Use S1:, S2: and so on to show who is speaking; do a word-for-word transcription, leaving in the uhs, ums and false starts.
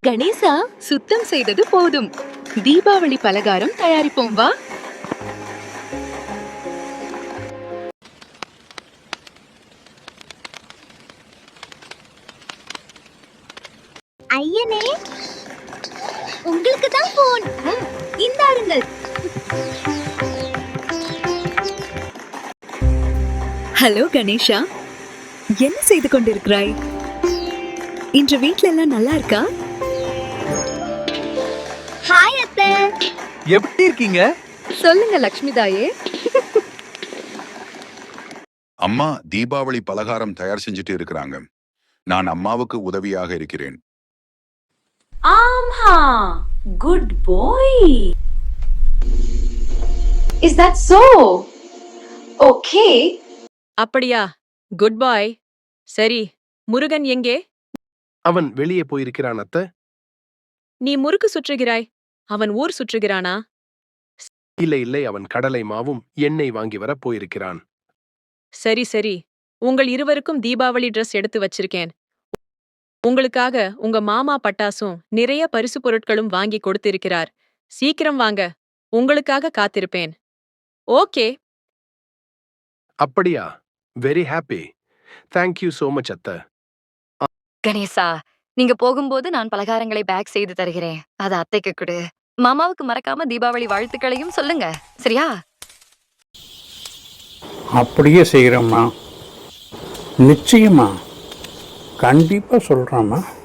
S1: கணேசா, சுத்தம் செய்தது போதும். தீபாவளி பலகாரம் தயாரிப்போம் வா.
S2: ஐயனே, உங்களுக்கு தான் போன். இந்தாருங்கள்.
S3: ஹலோ கணேஷா, என்ன செய்து கொண்டிருக்கிறாய்? இன்று வீட்ல எல்லாம் நல்லா இருக்கா?
S2: ஹாய் அத்தை.
S4: எப்படி இருக்கீங்க?
S1: சொல்லுங்க லக்ஷ்மி தாயே.
S5: அம்மா தீபாவளி பலகாரம் தயார் செஞ்சுட்டு இருக்கிறாங்க. நான் அம்மாவுக்கு உதவியாக இருக்கிறேன்.
S6: ஆமா, goodbye. Is that so? Okay.
S7: அப்படியா? Goodbye. சரி, முருகன் எங்கே?
S4: அவன் வெளியே போயிருக்கிறான் அத்தை.
S7: நீ முறுக்கு சுற்றுகிறாய், அவன் ஊர் சுற்றுகிறானா?
S4: இல்லை இல்லை, அவன் கடலை மாவும் எண்ணெய் வாங்கி வர போயிருக்கிறான்.
S7: சரி சரி, உங்கள் இருவருக்கும் தீபாவளி ட்ரெஸ் எடுத்து வச்சிருக்கேன். உங்களுக்காக உங்க மாமா பட்டாசும் நிறைய பரிசு பொருட்களும் வாங்கி கொடுத்திருக்கிறார். சீக்கிரம் வாங்க, உங்களுக்காக காத்திருப்பேன். ஓகே.
S4: அப்படியா? Very happy. Thank you so much அத்தை.
S8: கணேசா, நீங்க போகும்போது நான் பலகாரங்களை பேக் செய்து தருகிறேன். அது அத்தைக்கு கொடு. மாமாவுக்கு மறக்காம தீபாவளி வாழ்த்துக்களையும் சொல்லுங்க, சரியா?
S9: அப்படியே செய்கிறோம்மா. நிச்சயமா, கண்டிப்பா சொல்றேம்மா.